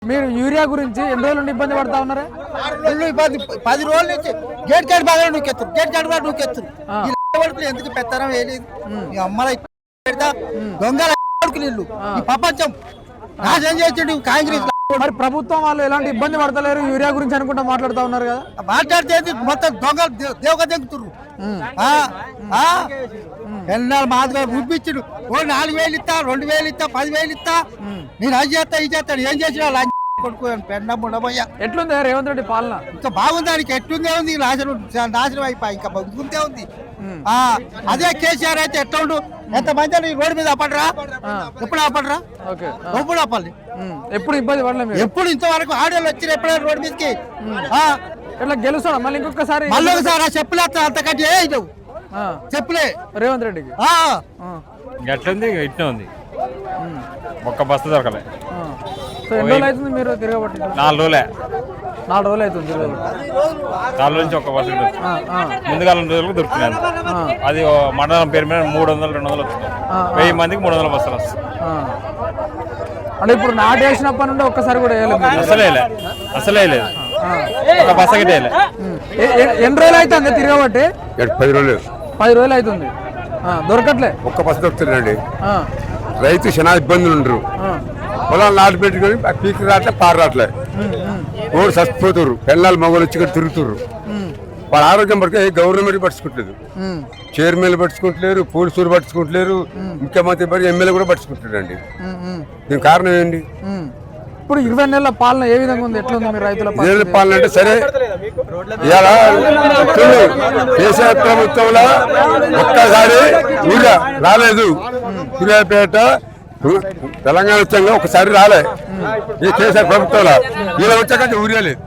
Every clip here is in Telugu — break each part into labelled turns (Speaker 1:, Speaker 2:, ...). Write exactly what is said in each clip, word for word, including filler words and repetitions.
Speaker 1: మీరు యూరియా గురించి ఎన్ని రోజులు నుండి ఇబ్బంది పడతా ఉన్నారా?
Speaker 2: ఇబ్బంది పది రోజుల నుంచి గేట్ కార్డు బాగా నువ్వు గేట్ కార్డు బాగా నువ్వు ఎందుకు పెత్తనం వేయలేదు అమ్మల పెడతా దొంగల ఇల్లు ఈ ప్రపంచం నాశనం చేసిండు కాంగ్రెస్.
Speaker 1: మరి ప్రభుత్వం వాళ్ళు ఎలాంటి ఇబ్బంది పడతలేరు యూరియా గురించి అనుకుంటా మాట్లాడుతా ఉన్నారు కదా.
Speaker 2: మాట్లాడితే మొత్తం దొంగలు దేవగా దింగుతున్నారు. ఎన్నాళ్ళు మాదిగా చూపించుడు ఓ నాలుగు వేలు ఇస్తా రెండు వేలు ఇస్తా పది వేలు ఇస్తా నేను అది చేస్తా ఇది చేస్తాను ఏం చేసిన కొడుకుని పెన్న ఉండబోయా.
Speaker 1: ఎట్లుంది రేవంత్ రెడ్డి పాలన?
Speaker 2: ఇంకా బాగుంది, దానికి ఎట్లుందే ఉంది నాశనం నాశనం అయిపోయి ఇంకా బాగుందే ఉంది. అదే కేసీఆర్ అయితే ఎట్లా ఉండు ఎంత మంది రోడ్డు మీద అప్పడరా ఎప్పుడు అప్పడరా ఎప్పుడు అప్పాలి
Speaker 1: ఎప్పుడు ఇబ్బంది పడలేదు
Speaker 2: ఎప్పుడు ఇంతవరకు ఆడోళ్ళు వచ్చిన ఎప్పుడైనా రోడ్డు మీదకి
Speaker 1: ఎట్లా గెలుస్తాడు మళ్ళీ ఇంకొకసారి
Speaker 2: మళ్ళీ ఒకసారి చెప్పులే అంతకంటే ఏ చెప్పులే
Speaker 1: రేవంత్ రెడ్డికి
Speaker 3: ఎట్లుంది ఇట్లా ఉంది ఒక్క బస్సు దొరకలే.
Speaker 1: ఎన్ని రోజులు అవుతుంది మీరు తిరగబట్టి?
Speaker 3: నాలుగు రోజులే
Speaker 1: నాలుగు రోజులు అవుతుంది
Speaker 3: నాలుగు నుంచి ఒక బస్సు ముందుగా రెండు రోజులకు దొరుకుతున్నాను. అది మండలం పేరు మీద మూడు వందలు రెండు వందలు వస్తుంది. వెయ్యి మందికి మూడు వందల బస్సులు వస్తాయి.
Speaker 1: అంటే ఇప్పుడు నాటు వేసినప్పటి నుండి ఒక్కసారి కూడా వేయలేదు?
Speaker 3: అసలే అసలే లేదు ఒక బస్సు గిట్టే
Speaker 1: ఎన్ని రోజులు అవుతుంది తిరగబట్టి?
Speaker 4: పది రోజులు
Speaker 1: పది రోజులు అవుతుంది దొరకట్లే.
Speaker 4: ఒక్క బస్సు దొరుకుతుందండి. రైతు చాలా ఇబ్బందులు ఉండరు. పొలాలు నాటు పెట్టుకొని పీకి రాట్లే పారు రాట్లే ఓడి చచ్చిపోతున్నారు. పెళ్ళాలు మగవాళ్ళు వచ్చి ఇక్కడ తిరుగుతున్నారు. వాళ్ళ ఆరోగ్యం పడితే గవర్నమెంట్ పట్టించుకుంటలేదు, చైర్మన్లు పట్టించుకుంటలేరు, పోలీసులు పట్టించుకుంటలేరు, ముఖ్యమంత్రి పడి ఎమ్మెల్యే కూడా పట్టించుకుంటారండి. దీనికి కారణం ఏంటి?
Speaker 1: ఇప్పుడు ఇరవై నెలల పాలన ఏ విధంగా ఉంది? ఎట్లా ఉంది మీ రైతుల
Speaker 4: పాలన? అంటే సరే ఇలా కేసీఆర్ ప్రభుత్వంలో ఒక్కసారి ఊళ్ళో రాలేదు. సూర్యాపేట తెలంగాణ వచ్చాక ఒకసారి రాలే ఈ కేసీఆర్ ప్రభుత్వంలో. ఇలా వచ్చాక ఊరియా లేదు.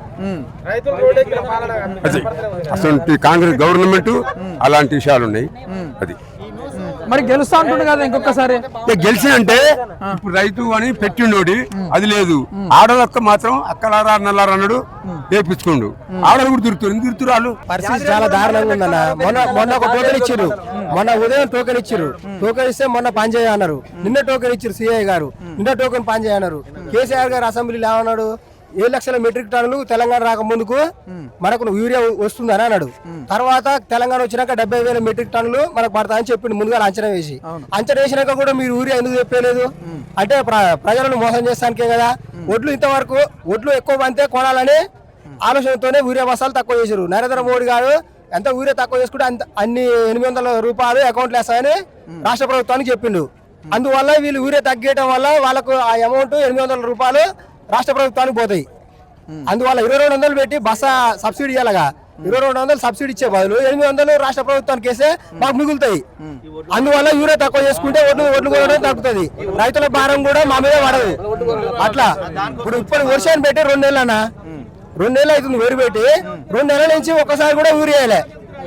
Speaker 4: అది అసలు కాంగ్రెస్ గవర్నమెంట్ అలాంటి విషయాలు ఉన్నాయి. అది
Speaker 1: మరి గెలుస్తా అంటుండే కదా ఇంకొకసారి.
Speaker 4: గెలిచి అంటే ఇప్పుడు రైతు అని పెట్టిండోడి అది లేదు. ఆడలొక్క మాత్రం అక్కలారా నల్లారా అన్నాడు వేపించుకోండు. ఆడలు కూడా తిరుగుతారు తిరుగుతారు వాళ్ళు.
Speaker 2: పరిస్థితి చాలా దారుణంగా ఉందన్న. మొన్న మొన్న ఒక టోకెన్ ఇచ్చారు, మొన్న ఉదయం టోకెన్ ఇచ్చారు. టోకెన్ ఇస్తే మొన్న పని చేయన్నారు. నిన్న టోకెన్ ఇచ్చారు సిఐ గారు, నిన్న టోకెన్ పని చేయన్నారు. కేసీఆర్ గారు అసెంబ్లీలో ఏమన్నాడు? ఏడు లక్షల మెట్రిక్ టన్నులు తెలంగాణ రాక ముందుకు మనకు యూరియా వస్తుందని అన్నాడు. తర్వాత తెలంగాణ వచ్చినాక డెబ్బై వేల మెట్రిక్ టన్నులు మనకు పడతాయని చెప్పిండు ముందుగా అంచనా వేసి. అంచనా వేసినాక కూడా మీరు యూరియా ఎందుకు చెప్పలేదు? అంటే ప్రజలను మోసం చేస్తానికే కదా. ఒడ్లు ఇంతవరకు ఒడ్లు ఎక్కువ పంతే కొనాలని ఆలోచనతోనే యూరియా బస్తాలు తక్కువ చేశారు. నరేంద్ర మోడీ గారు ఎంత యూరియా తక్కువ చేసుకుంటే అంత అన్ని ఎనిమిది వందల రూపాయలు అకౌంట్లు వేస్తాయని రాష్ట్ర ప్రభుత్వానికి చెప్పిండు. అందువల్ల వీళ్ళు యూరియా తగ్గేయడం వల్ల వాళ్ళకు ఆ అమౌంట్ ఎనిమిది వందల రూపాయలు రాష్ట్ర ప్రభుత్వానికి పోతాయి. అందువల్ల ఇరవై రెండు వందలు పెట్టి బస్సా సబ్సిడీ ఇవ్వాలగా ఇరవై రెండు వందలు సబ్సిడీ ఇచ్చే బదులు ఎనిమిది వందలు రాష్ట్ర ప్రభుత్వానికి వేస్తే మాకు మిగులుతాయి. అందువల్ల యూరియా తక్కువ చేసుకుంటే ఒడ్లు ఒడ్లు కూడా తగ్గుతుంది. రైతుల భారం కూడా మా మీద పడదు. అట్లా ఇప్పుడు ఇప్పుడు వర్షాన్ని పెట్టి రెండు నెలలు అన్న రెండు నెలలు అవుతుంది వేరు పెట్టి రెండు నెలల నుంచి ఒక్కసారి కూడా యూరియా వేయలే.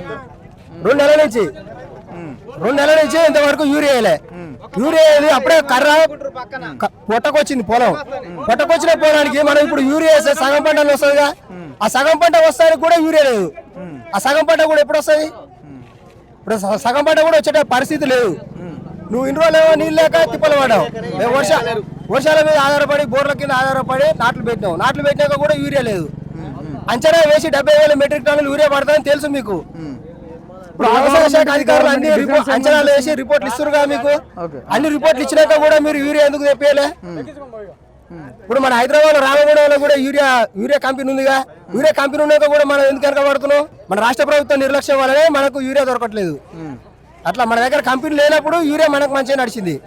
Speaker 2: రెండు నెలల నుంచి రెండు నెలల నుంచి ఇంతవరకు యూరియా వేయలే. యూరియా అప్పుడే కర్ర పొట్టకొచ్చింది పొలం. పొట్టకొచ్చిన పొలానికి మనం ఇప్పుడు యూరియా వేస్తే సగం పంట వస్తుందిగా. ఆ సగం పంట వస్తానికి కూడా యూరియా లేదు. ఆ సగం పంట కూడా ఎప్పుడు వస్తుంది? ఇప్పుడు సగం పంట కూడా వచ్చే పరిస్థితి లేదు. నువ్వు ఇన్ని రోజులు ఏమో నీళ్ళు లేక తిప్పలు పడ్డావు. మేము వర్ష వర్షాల మీద ఆధారపడి బోర్ల కింద ఆధారపడి నాట్లు పెట్టినావు. నాట్లు పెట్టినాక కూడా యూరియా లేదు. అంచనా వేసి డెబ్బై వేల మెట్రిక్ టన్నులు యూరియా పడతాయని తెలుసు మీకు. ఇప్పుడు వ్యవసాయ శాఖ అధికారులు అన్ని అంచనాలు వేసి రిపోర్ట్లు ఇస్తురుగా మీకు. అన్ని రిపోర్ట్లు ఇచ్చినాక కూడా మీరు యూరియా ఎందుకు తెప్పేయలే? ఇప్పుడు మన హైదరాబాద్ రామగూడలో కూడా యూరియా యూరియా కంపెనీ ఉందిగా. యూరియా కంపెనీ ఉన్నాక కూడా మనం ఎందుకు వెనక పడుతున్నాం? మన రాష్ట్ర ప్రభుత్వం నిర్లక్ష్యం వల్లనే మనకు యూరియా దొరకట్లేదు. అట్లా మన దగ్గర కంపెనీ లేనప్పుడు యూరియా మనకు మంచిగా నడిచింది.